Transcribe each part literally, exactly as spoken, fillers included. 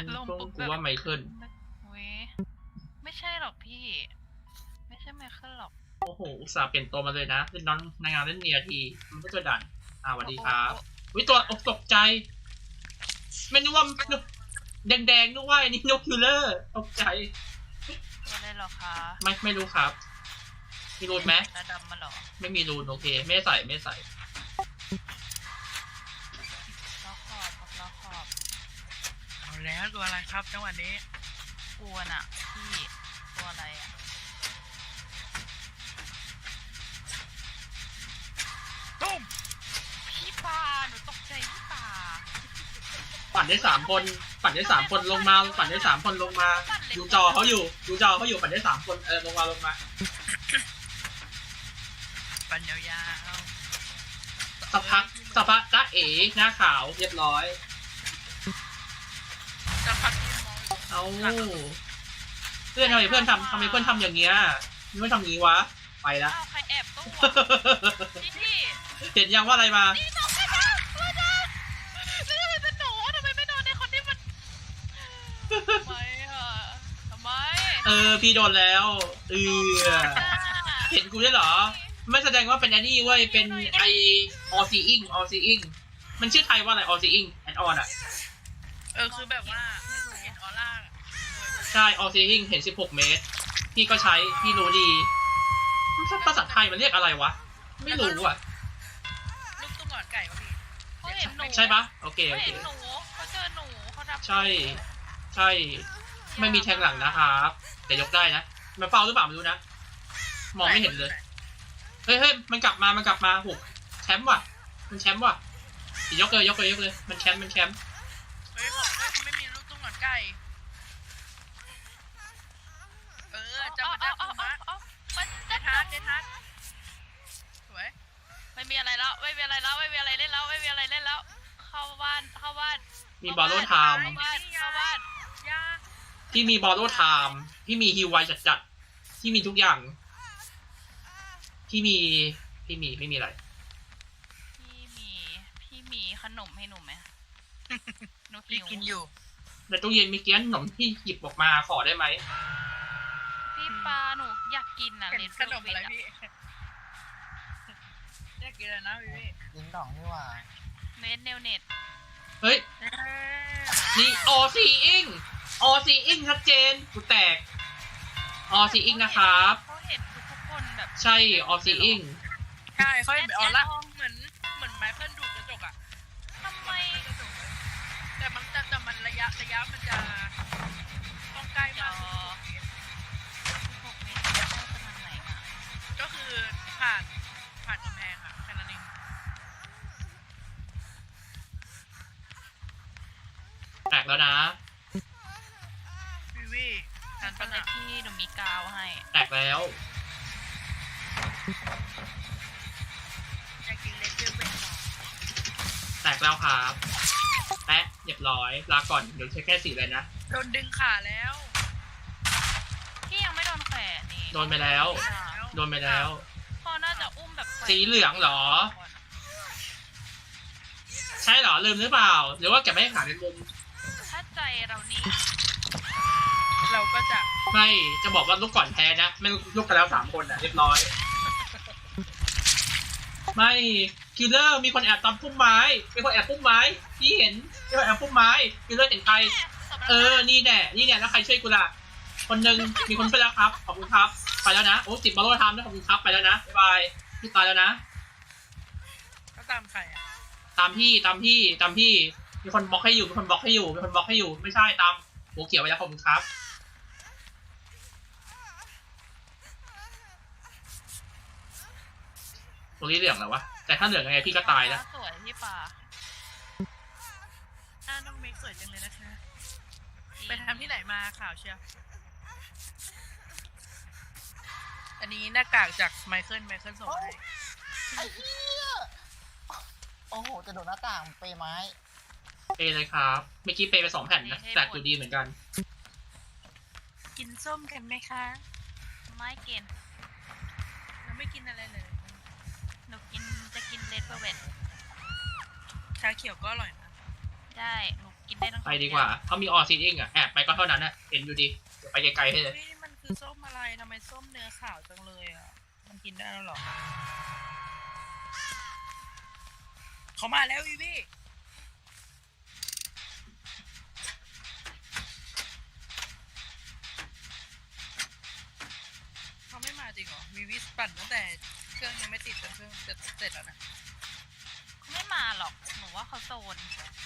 ลงกูปุ๊บกูแบบว่าไมเคิลเว้ยไม่ใช่หรอกพี่ ไม่ใช่ไมเคิลหรอกโอ้โหอุตส่าห์เปลี่ยนตัวมาเลยนะเล่นน้องในงานเล่นเนียทีมันก็จะดันอ่าสวัสดีครับวิตัวอกตกใจไม่นึกว่าแดงๆนึกว่าอันนี้นกคิลเลอร์ตกใจตัวอะไรหรอคะไม่ไม่รู้ครับมีรูนไหมระดำมาหรอไม่มีรูนโอเคไม่ใส่ไม่ใส่ล้อขอบครับล้อขอบเอาแล้วตัวอะไรครับจังหวะนี้กวนอ่ะพี่ตัวอะไรอ่ะตุ้มพี่ปลาหนูตกใจพี่ปลาปั่นได้สามคนปั่นได้สามคนลงมาปั่นได้สามคนลงมาดูจอเขาอยู่ดูจอเขาอยู่ปั่นได้สามคนเออลงมาลงมาปันยาวสักพักสักพักจ้าเอ๋หน้าขาวเรียบร้อยๆจะพักที่มองเอาเพื่อนทำไมเพื่อนทำทำไมเพื่อนทำอย่างเงี้ยเพื่อนทำงี้วะไปละอ้าวใครแอบตู้พี่พี่เห็นยังว่าอะไรมานี่น้องไม่ได้ไม่ได้ไม่ได้เป็นหนูทำไมไม่โดนในคนที่มันทำไมอ่ะทำไมเออพี่โดนแล้วเออเห็นกูได้เหรอไม่แสดงว่าเป็นแอนนี่เว้ยเป็นไอออซีอิงออซีอิงมันชื่อไทยว่าอะไรออซีอิงแอนออนอ่ะเออคือแบบว่าเห็นออร่าใช่ออซีอิงเห็นสิบหกเมตรพี่ก็ใช้พี่รู้ดีภาษาไทยมันเรียกอะไรวะไม่รู้อ่ะลูกตุ้มหลอดไก่วะพี่เขาเห็นหนูใช่ปะโอเคเขาโอเคเห็นหนูเขาเจอหนูเขาดับใช่ใช่ไม่มีแทงหลังนะครับแต่ยกได้นะมันเฝ้าหรือเปล่าไม่รู้นะมองไม่เห็นเลยเฮ้ยเฮ้ยมันกลับมามันกลับมาหกแชมป์ว่ะมันแชมป์ว่ะยกเลยยกเลยยกเลยมันแชมป์มันแชมป์เฮ้ยบอกเลยไม่มีลูกตุ้มหลอดไก่เออจะมาดักเอามะเอาเอาเอาเจทัสเจทัสสวยไม่มีอะไรแล้วไม่มีอะไรแล้วไม่มีอะไรเล่นแล้วไม่มีอะไรเล่นแล้ว เข้าบ้านเข้าบ้านมีบอลโลไทม์เข้าบ้านเข้าบ้านยาพี่มีบอลโลไทม์พี่มีฮิวไวจัดจัดๆพี่มีทุกอย่างพี่มีพี่มีไม่มีอะไรพี่มีพี่มีขนมให้หนูไหมหนูพี่หิวกินอยู่ในตู้เย็นมีเกี้ยนขนมที่หยิบออกมาขอได้ไหมพี่ปลาหนูอยากกินอ่ะเป็นเลนขนมอะไรพี่อยากกินอะไรนะพี่ลิงดองนี่หว่าเมดเนลเน็ตเฮ้ยนี่ออซีอิงออซีอิงชัดเจนกูแตกออซีอิงนะครับเขาเห็นทุกๆคนแบบใช่ออซีอิงใช่เขาเห็นออร่าเหมือนเหมือนไมเคิลดูดกระจกอะทำไมแต่มันแต่แต่มันระยะระยะมันจะต้องใกล้จมาอก สิบหกเมตรจะเข้าไปทางไหนอ่ะก็คือผ่านผ่านกำแพงอะแค่นั้นเองแตกแล้วนะวิวิทันตอปะนนี้นะพี่หนูมีกาวให้แตกแล้วอยากกินเลเซอร์เป็นหรอแตกแล้วครับแปะเรียบร้อยลาก่อนเดี๋ยวใช้แค่สี่เลยนะโดนดึงขาแล้วพี่ยังไม่โดนแขวนนี่โดนไปแล้ว โดนไปแล้วพ่อน่าจะอุ้มแบบแขวนสีเหลืองเหรอ ใช่เหรอลืมหรือเปล่า หรือว่าแกไม่ให้ขาในมุมถ้าใจเรานี่เราก็จะไม่จะบอกว่าลูกก่อนแพ้นะไม่ลูกกันแล้วสามคนอ่ะเรียบร้อย ไม่คิลเลอร์มีคนแอบตามพุ่มไม้มีคนแอบพุ่มไม้พี่เห็นมีคนแอบพุ่มไม้คิลเลอร์เห็นใครเออนี่แน่นี่แน่แล้วใครช่วยกูล่ะคนหนึ่งมีคนช่วยแล้วครับขอบคุณครับไปแล้วนะโอ้จิบบอลโลทามด้วยขอบคุณครับไปแล้วนะบ๊ายบายพี่ตายแล้วนะก็ตามใครอะตามพี่ตามพี่ตามพี่มีคนบล็อกให้อยู่มีคนบล็อกให้อยู่มีคนบล็อกให้อยู่ไม่ใช่ตามหัวเขียวไปแล้วขอบคุณครับตรงนี้เหลืองแล้ววะแต่ถ้าเหลืองยังไงพี่ก็ตายแล้วสวยพี่ปลาอ่าน้องเมกสวยจังเลยนะคะไปทำที่ไหนมาข่าวเชียวอันนี้หน้ากากจากไมเคิลไมเคิลส่งให้ไอ้เหี้ยโอ้โห จะโดดหน้าต่างเปไม้เปเลยครับเมื่อกี้เปไปสองแผ่นนะแตกอยู่ดีเหมือนกันกินส้มกันไหมคะไม่กินเราไม่กินอะไรเลยหนูกินจะกินเลดเวลเวทชาเขียวก็อร่อยนะได้หนูกินได้ทั้งไปดีกว่าเขามีออซิดิ้งอ่ะแอบไปก็เท่านั้นนะเห็นอยู่ดีเดี๋ยวไปไกลๆให้เลยเฮ้ยมันคือส้มอะไรทำไมส้มเนื้อขาวจังเลยอ่ะมันกินได้แล้วเหรอเขามาแล้วอีวี่เขาไม่มาจริงเหรอวีวิสปั่นตั้งแต่เครื่องยังไม่ติดจนเครื่องจะเสร็จแล้วนะเขาไม่มาหรอกหนูว่าเขาโซน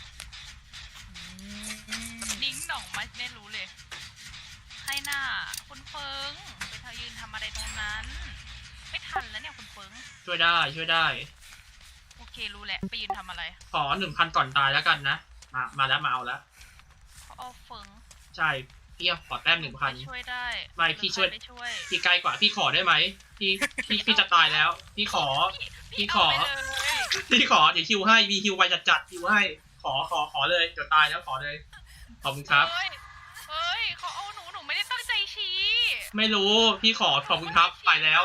ดิ้งหน่องไม่ไม่รู้เลยใครหน้าคุณเฟิงไปเธอยืนทำอะไรตรงนั้น ไม่ทันแล้วเนี่ยคุณเฟิงช่วยได้ช่วยได้โอเครู้แหละไปยืนทำอะไรขอหนึ่งพันก่อนตายแล้วกันนะมามาแล้วมาเอาแล้วเขาเอาเฟิงใช่พี่ขอแต้มหนึ่งพันไปช่วยได้ไม่พี่ช่วยหรือใครได้ช่วยพี่ใกล้กว่าพี่ขอได้ไหมพี่พี่พี่จะตายแล้ว พี่ขอ พี่ขอเาไปเลยพี่ขอเดี๋ยวคิวให้มีคิวไวจัดจัดคิวให้ ขอขอขอเลยเดี๋ยวตายแล้วขอเลยขอบคุณครับเฮ้ยเฮ้ยเขาเอาหนูหนูไม่ได้ตั้งใจชี้ไม่รู้พี่ขอขอบคุณครับไปแล้ว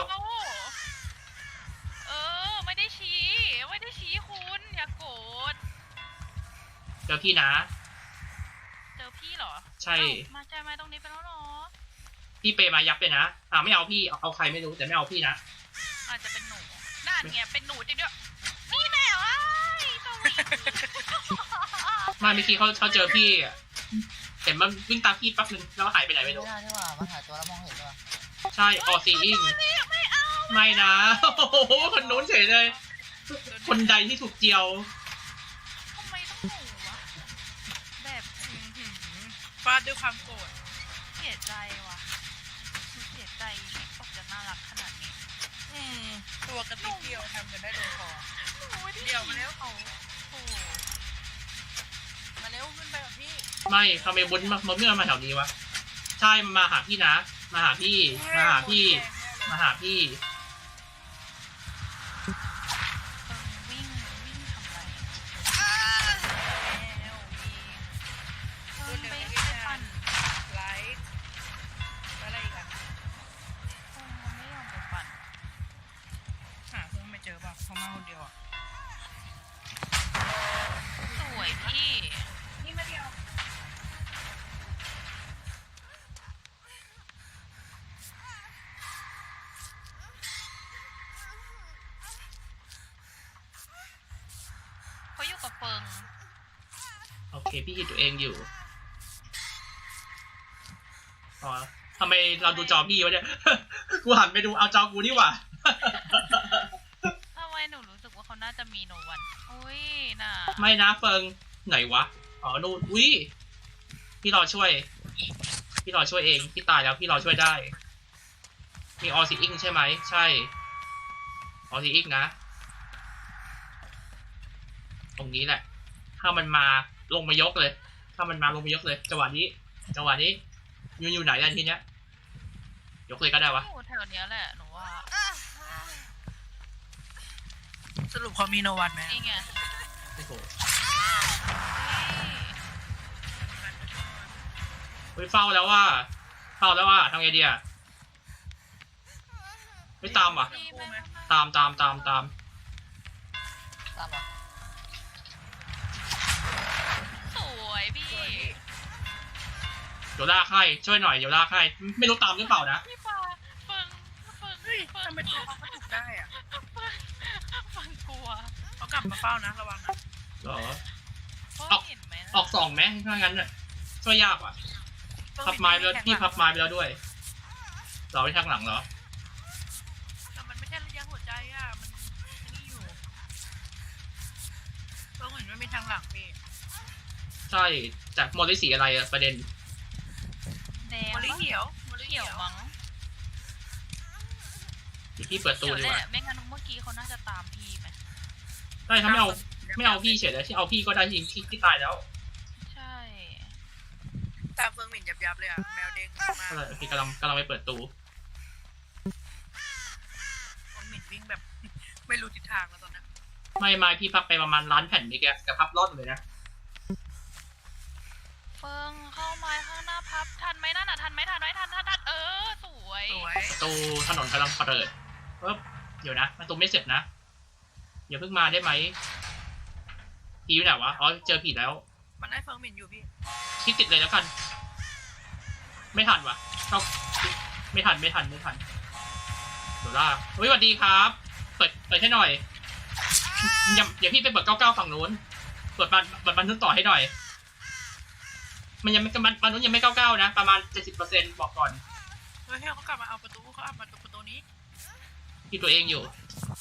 เออไม่ได้ชี้ไม่ได้ชี้คุณอย่าโกรธเจอพี่นะเจอพี่เหรอใช่เอ้ามาใจมาตรงนี้ไปแล้วเหรอพี่เปมายับเลยนะอ่าไม่เอาพี่เอาเอาใครไม่รู้แต่ไม่เอาพี่นะอาจจะเป็นหนูนั่นไงเป็นหนูจริงด้วยนี่แน่วะสวีไมาเมื่อกี้เขาเขาเจอพี่อะเห็นมันวิ่งตามพี่แป๊บนึงแล้วหายไปไหนไม่ไม่รู้ได้ใช่ป่ะมันหายตัวแล้วมองเห็นด้วยใช่ออซีอิงไม่เอาไม่นะโอ้โหคนนู้นเฉยเลย คนใดที่ถูกเจียวทำไมต้องหนูวะแบบอื้อหือฟาดด้วยความโกรธเสียใจว่ะหนูเสียใจที่ตกจะน่ารักขนาดนี้อืมตัวกระติกเดียวทำกันได้ลงคอหนูไม่ได้เดี๋ยวมาแล้วเขาโอ้มาเร็วขึ้นไปกับพี่ไม่ทำไมบุญมาเมื่อมาแถวนี้วะใช่มาหาพี่นะมาหาพี่มาหาพี่มาหาพี่เออวิ่งวิ่งทำอะไรแล้วมีเพิ่งไปไปปั่นไลท์แล้วอะไรอีกอ่ะเพิ่งไม่ยอมไปปั่นหาเพื่อนไม่เจอป่ะเขามาคนเดียวอ่ะสวยพี่นี่มาเดียวเขาอยู่กับเฟิงโอเคพี่คิดตัวเองอยู่อ๋อทำไมเราดูจอพี่วะเนี่ย กูหันไปดูเอาจอกูนี่หว่าทำไมหนูรู้สึกว่าเขาน่าจะมีโนวันอุ้ยน่ะไม่นะเฟิงไหนวะอ๋อนู่นอุ้ยพี่รอช่วย พี่รอช่วยเองพี่ตายแล้วพี่รอช่วยได้ มีออซิอิงใช่ไหมใช่ออซิอิงนะ ตรงนี้แหละ ถ้ามันมาลงมายกเลย ถ้ามันมาลงมายกเลยจังหวะนี้จังหวะนี้ยูอยู่ไหนกันทีเนี้ยยกเลยก็ได้วะอยู่แถวเนี้ยแหละหนูว่าสรุปเขามีโนวันไหมนี่ไงโอ้โหนี่เฮ้ยเฝ้าแล้วว่าเฝ้าแล้วว่าทำไงดีอะไม่ตามว่ะนี่แม่แม่ตามตามตามตามตามมาสวยพี่เดี๋ยวลากให้ช่วยหน่อยเดี๋ยวลากให้ไม่รู้ตามหรือเปล่านะพี่ปาเฟิงเฟิงเฮ้ยเฟิงทำไมตัวเขากระตุกได้อ่ะเฟิงเฟิงกลัวเขากลับมาเฝ้านะระวังนะเหรอเพราะออกเห็นไหมนะออกสองไหมถ้างั้นน่ะช่วยยากว่ะพับไม้ไปแล้วพี่พับไม้ไปแล้วด้วยเราไปทางหลังเหรอแต่มันไม่ใช่ระยะหัวใจอ่ะมันนี่อยู่ต้องเห็นว่ามีทางหลังพี่ใช่จากโมลิสีอะไรอะประเด็นแดงมอลลี่ปะเหียวมอลลี่เขีเหียยว วมั้งเดี๋ยวพี่เปิดตู้เขียวดีแหกว่าละไม่งั้นเมื่อกี้เขาน่าจะตามพี่ไหมใช่ถ้าไม่เอาไม่เอาพี่เฉยเลยที่เอาพี่ก็ได้ที่ที่ที่ตายแล้วใช่ตามเฟิงหมิ่นยับยับๆเลยอ่ะแมวเด้งมากก็เลยพี่กำลังกำลังไปเปิดตู้เฟิงหมิ่นวิ่งแบบ ไม่รู้ทิศทางแล้วตอนนั้นไม่ไม่พี่พับไปประมาณล้านแผ่นนี่แกแต่พับร่อนเลยนะเฟิงเข้ามาข้างหน้าพับทันไหมนั่นน่ะทันไหมทันไหมทันทันทันเออสวยสวยตู้ถนนกำลังเปิดปึ๊บเดี๋ยวนะประตูไม่เสร็จนะอย่าเพิ่งมาได้ไหมผีอยู่ไหนวะอ๋อเจอผีแล้วมันได้เฟิร์มมินอยู่พี่คิดติดเลยแล้วกัน ไม่ทันวะเข้าไม่ทันไม่ทันไม่ทันเดี๋ยวล่าเฮ้ยสวัสดีครับ เปิดเปิดให้หน่อยอย่าเดี๋ยวพี่ไปเปิดเก้าเก้าฝั่งนู้นเปิดบันเปิดบันทึกต่อให้หน่อย มันยังไม่มันมันนู้นยังไม่เก้าเก้านะประมาณเจ็ดสิบเปอร์เซ็นต์บอกก่อนเฮ้ยเขากลับมาเอาประตูเขาเอามาตรงประตูนี้ที่ตัวเองอยู่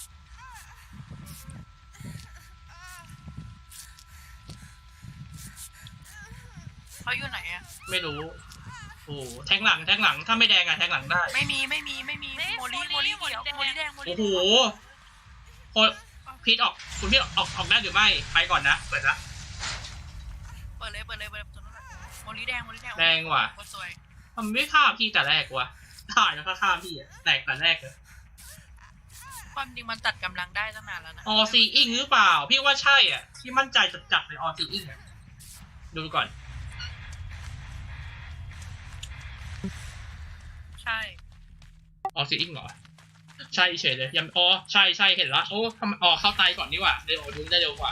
เขาอยู่ไหนอะไม่รู้ โอ้แทงหลังแทงหลังถ้าไม่แดงอะแทงหลังได้ไม่มีไม่มีไม่มีโมลี่โมลี่เขียวโมลี่แดงโมโอ้ลี่โหโคพีทออกคุณพีทออกออกออกได้หรือไม่ไปก่อนนะเปิดนะเปิดเลยเปิดเลยเปิดประตูนั้นโมลี่แดงโมลี่แดงแดงว่ะโคตรสวยทำไมไม่ฆ่าพี่แต่แรกวะถ่ายแล้วก็ฆ่าพี่อะแตกแต่แรกเลยความจริงมันตัดกำลังได้ตั้งนานแล้วนะออซีอิงหรือเปล่า พี่ว่าใช่อ่ะพี่มั่นใจจัดๆเลยออซีอิงอ่ะดูก่อนใช่ออซีอิงเหรอใช่เฉยเลยยังอ๋อใช่ใช่เห็นละโอ้ทำอ๋อเข้าไตก่อนนี่หว่าเร็วดูได้เร็วกว่า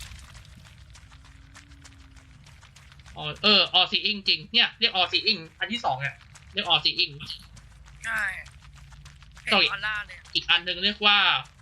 อ๋อเออออซีอิงจริงเนี่ยเรียกออซีอิงอันที่สองอ่ะเรียกออซีอิงใช่เห็นต่ออีกออร่าเลยอีกอันหนึ่งเรียกว่า